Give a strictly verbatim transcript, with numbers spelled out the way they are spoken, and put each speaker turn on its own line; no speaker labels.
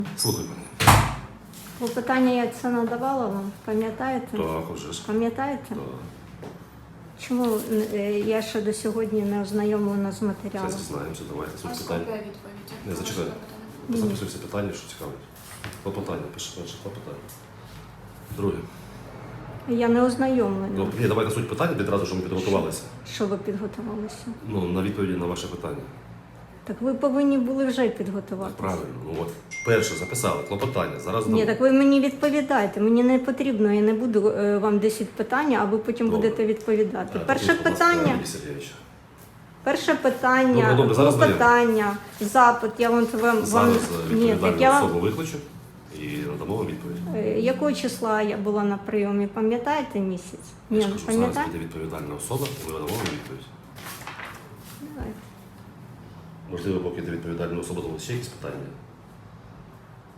Слухай мене.
Клопотання я це надавала вам, пам'ятаєте?
Так, вже ж.
Пам'ятаєте?
Так.
Чому е, я ще до сьогодні не ознайомлена з матеріалом?
Зараз дізнаємося, давайте. Суть
А
питання.
скільки відповіді?
Не, зачекай.
Ні.
Записуй всі питання, що цікавить. Клопотання, пише перше клопотання. Друге.
Я не ознайомлена.
Ну, ні, давайте суть питання відразу, що ми підготувалися.
Що ви підготувалися?
Ну, на відповіді на ваше питання.
Так ви повинні були вже
Так,
підготуватися.
правильно. Ну от, перше записали, клопотання. Зараз
Ні,
дамо.
так ви мені відповідаєте. Мені не потрібно, я не буду е, вам десять питань, а ви потім
Добре.
будете відповідати.
Так,
Перше
будь ласка,
питання.
Юрій Сергійович.
Перше питання,
Добре, добре, зараз
питання, запит. Я вам вам вам
Зараз е,
ні, так
відповідальну
я вам
особу викличу і надамо вам відповідь.
Е, якого числа я була на прийомі, пам'ятаєте місяць?
Я
Ні,
ж
не
кажу, зараз
пам'ятаєте?
буде відповідальна особа, і ми надамо вам відповідь.
Давайте.
Можливо, поки йде відповідальна особа, то ще якісь питання.